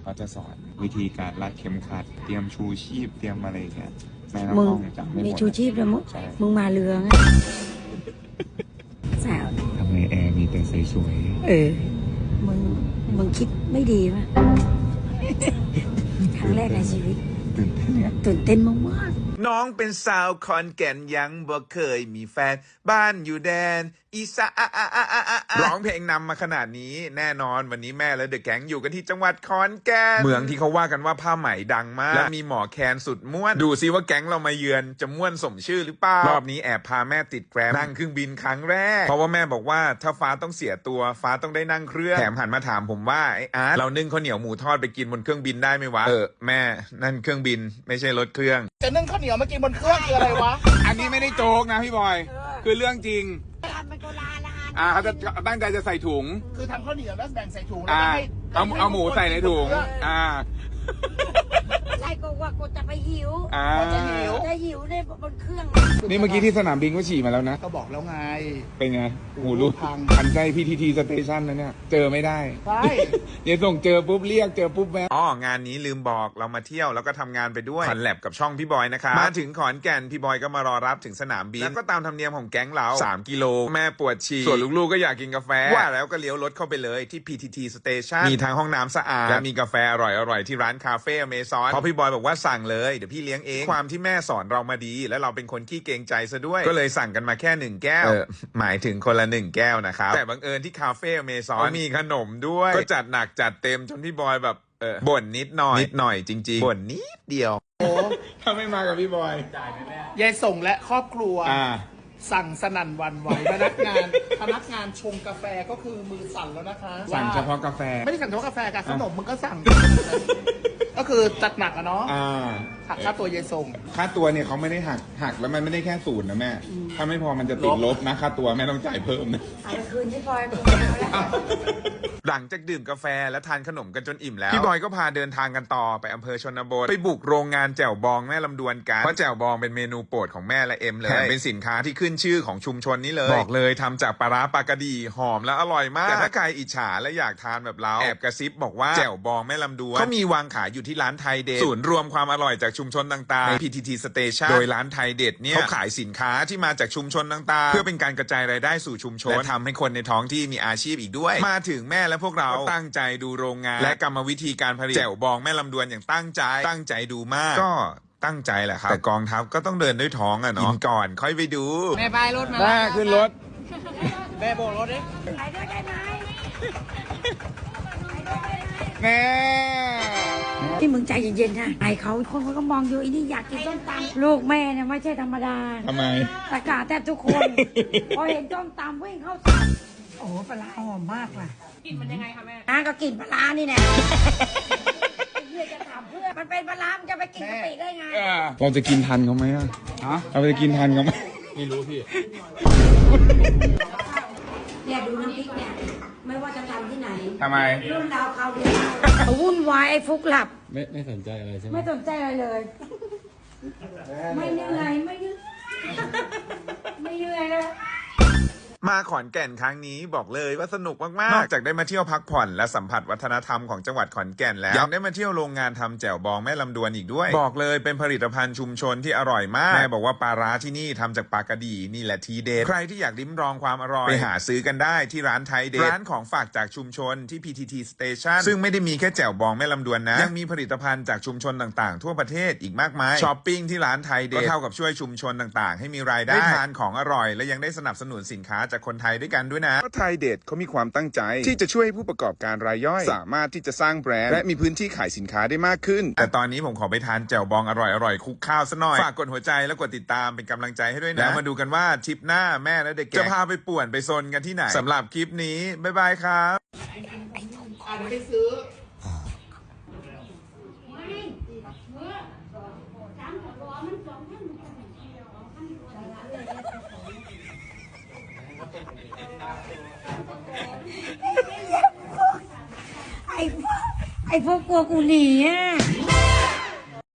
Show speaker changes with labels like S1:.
S1: เขาจะสอนวิธีการรัดเข็มขัดเตรียมชูชีพเตรียมอะไรเงี้ยแม่น้
S2: มึง
S1: องจำไม่หม
S2: มี
S1: ด
S2: ชูชีพด้วยมึง
S1: ใช่
S2: มึงมาเรือไงสาว
S1: ทำไมแอร์มีแต่สวย
S2: มึงคิดไม่ดีป่ะ ครั้งแรกในชีวิต
S1: ๆตื่นเต้นเนี่ย
S2: ตื่นเต้นมาก
S3: น้องเป็นสาวขอนแก่นยังบ่เคยมีแฟนบ้านอยู่แดนอีสานร้องเพลงนำมาขนาดนี้แน่นอนวันนี้แม่และเดอะแก๊งอยู่กันที่จังหวัดขอนแก่นเมืองที่เขาว่ากันว่าผ้าไหมดังมากและมีหมอแคนสุดม่วนดูซิว่าแก๊งเรามาเยือนจะม่วนสมชื่อหรือเปล่ารอบนี้แอบพาแม่ติดแกรมนั่งเครื่องบินครั้งแรกเพราะว่าแม่บอกว่าถ้าฟ้าต้องเสียตัวฟ้าต้องได้นั่งเครื่องแถมหันมาถามผมว่าไอ้อาร์ตเรานึ่งข้าวเหนียวหมูทอดไปกินบนเครื่องบินได้ไหมวะแม่นั่นเครื่องบินไม่ใช่รถเครื่อง
S4: จะนึ่งข้าวเหนียวมากินบนเครื่องคืออะไรวะ
S1: อันนี้ไม่ได้โจ๊กนะพี่บอย คือเรื่องจริง
S2: ๆทำเป็นโบราณ
S1: เขาจะตั้งใจจะใส่ถุง
S4: คือทำข้าวเหนียวแล้วแบ่งใส่ถุงแล้วก็ให้
S1: เอาหมูใส่ในถุง
S2: ใช่ก็ว่ากูจะไปหิว
S4: จะหิว
S2: จะหิวในบนเครื่อง
S1: นี่เมื่อกี้ที่สนามบินก็ฉี่มาแล้วนะ
S4: ก็บอกแล้วไง
S1: เป็นไงหูรูด
S4: พัง
S1: พันใจพีทีทีสเตชันนะเนี่ย เจอไม่ได้
S4: ใช่
S1: เดี๋ยวส่งเจอปุ๊บเรียกเจอปุ๊บแม่
S3: งานนี้ลืมบอกเรามาเที่ยวแล้วก็ทำงานไปด้วยคอนแลบกับช่องพี่บอยนะคะมาถึงขอนแก่นพี่บอยก็มารอรับถึงสนามบินแล้วก็ตามธรรมเนียมของแก๊งเรา3 กิโลแม่ปวดฉี่ส่วนลูกๆก็อยากกินกาแฟว่าแล้วก็เลี้ยวรถเข้าไปเลยที่ PTT Station มีทั้งห้องน้ำสะอาดและมีกาแฟอร่อยๆที่ร้านคาเฟ่อเมซอนเพราะพี่บอยบอกว่าสั่งเลยเดี๋ยวพี่เลี้ยงเองความที่แม่สอนเรามาดีและเราเป็นคนขี้เกรงใจซะด้วยก็เลยสั่งกันมาแค่1 แก้วหมายถึงคนละ1 แก้วนะครับแต่บังเอิญที่คาเฟ่อเมซอนมีขนมด้วยก็จัดหนักจัดเต็มจนพี่บอยแบบบ่นนิดหน่อยจริงๆบ่นนิดเดียว
S4: โอ้
S1: ถ้าไม่มากับพี่บอย
S4: ยายส่งและครอบครัว
S1: อ่า
S4: สั่งสนั่นหวันไหวพนักงานชงกาแฟก็คือมือสั่นแล้วนะคะ
S1: สั่งเฉพาะกาแฟ
S4: ไม่ได้สั่งเฉพาะกาแฟกับขนมมึงก็สั่ง ก็คือจัดหนักอะเนาะหักค่าตัวยายส่ง
S1: ค่าตัวเนี่ยเขาไม่ได้หักแล้วมันไม่ได้แค่0นะแม่ ถ้าไม่พอมันจะติดลบนะค่าตัวแม่ต้องจ่ายเพิ่มนะ
S2: เอาไปคืนที่พลอยมึงเอาแล้ว
S3: หลังจากดื่มกาแฟและทานขนมกันจนอิ่มแล้วพี่บอยก็พาเดินทางกันต่อไปอำเภอชนบทไปบุกโรงงานแจ่วบองแม่ลำดวนกันเพราะแจ่วบองเป็นเมนูโปรดของแม่และเอ็มเลยแถมเป็นสินค้าที่ขึ้นชื่อของชุมชนนี้เลยบอกเลยทำจากปลาร้าปลากระดีหอมและอร่อยมากแต่ถ้าใครอิจฉาและอยากทานแบบเราแอบกระซิบบอกว่าแจ่วบองแม่ลำดวนเขามีวางขายอยู่ที่ร้านไทยเด็ดศูนย์รวมความอร่อยจากชุมชนต่างๆใน PTT Station โดยร้านไทยเด็ดเนี่ยเขาขายสินค้าที่มาจากชุมชนต่างๆเพื่อเป็นการกระจายรายได้สู่ชุมชนและทำให้คนในท้องที่มีอาชีพอีกด้วยมาถึงแม่และพวกเราตั้งใจดูโรงงานและกรรมวิธีการผลิตแจ่วบองแม่ลำดวนอย่างตั้งใจดูมากก็ตั้งใจแหละครับแต่กองทัพก็ต้องเดินด้วยท้องอะเนาะกินก่อนค่อยไปดู
S4: แม่ไปรถมา
S1: แม่ขึ้นรถ
S4: แม่โบกรถดิ
S2: ไปด้วยได้ไหม
S1: แม่
S2: ที่มึงใจเย็นๆนะไอเขาคนก็มองอยู่ไอ้นี่อยากกินส้มตำลูกแม่เนี่ยไม่ใช่ธรรมดา
S1: ทำไม
S2: ตะกาแทบทุกคนพอเห็นส้มตำวิ่งเข้าสั่งโอ้โหปลาร้าหอมมากว่ะกลิ่นมันยังไงคะแม่ก็กลิ่นปลาร้านี่แน่เพื่อจะถามเพื่อมันเป็นปลาร้ามันจะไปกินกะปิได้ไง
S1: เราจะกินทันเขาไหมอะเราจะกินทันเขาไหม
S2: เนี่ยดูน้ำพริกเนี่ยไม่ว่าจะทำที่ไหน
S1: ทำไม
S2: รุ่นดาวเขาวเดียววุ่นวายไอ้ฟุกหลับ
S5: ไม่สนใจอะไรใช่ไหม
S2: ไม่สนใจอะไรเลย ไม่เหนื่อยไม่เหนื่อยเลย
S3: มาขอนแก่นครั้งนี้บอกเลยว่าสนุกมากๆ นอกจากได้มาเที่ยวพักผ่อนและสัมผัสวัฒนธรรมของจังหวัดขอนแก่นแล้วยังได้มาเที่ยวโรงงานทำแจ่วบองแม่ลำดวนอีกด้วย บอกเลยเป็นผลิตภัณฑ์ชุมชนที่อร่อยมากแม่บอกว่าปลาร้าที่นี่ทำจากปลากระดีนี่แหละทีเด็ดใครที่อยากลิ้มลองความอร่อยไปหาซื้อกันได้ที่ร้านไทยเด็ดร้านของฝากจากชุมชนที่ PTT Station ซึ่งไม่ได้มีแค่แจ่วบองแม่ลำดวนนะยังมีผลิตภัณฑ์จากชุมชนต่างๆ ทั่วประเทศอีกมากมายช้อปปิ้งที่ร้านไทยเด็ดก็เท่ากับช่วยชุมชนต่างๆ ให้มีรายได้ทานของอร่อยและยังได้สนับสนุนสินค้าจากคนไทยด้วยกันด้วยนะเพราะไทยเด็ดเขามีความตั้งใจที่จะช่วยให้ผู้ประกอบการรายย่อยสามารถที่จะสร้างแบรนด์และมีพื้นที่ขายสินค้าได้มากขึ้นแต่ตอนนี้ผมขอไปทานแจ่วบองอร่อยๆคลุกข้าวซะหน่อยฝากกดหัวใจและกดติดตามเป็นกำลังใจให้ด้วยนะแล้วมาดูกันว่าทริปหน้าแม่และเด็กจะพาไปป่วนไปซนกันที่ไหนสำหรับคลิปนี้บ๊ายบายครับ
S4: ไปซื้อ
S2: ไอ้พวกกลัวกูหนีอ่ะ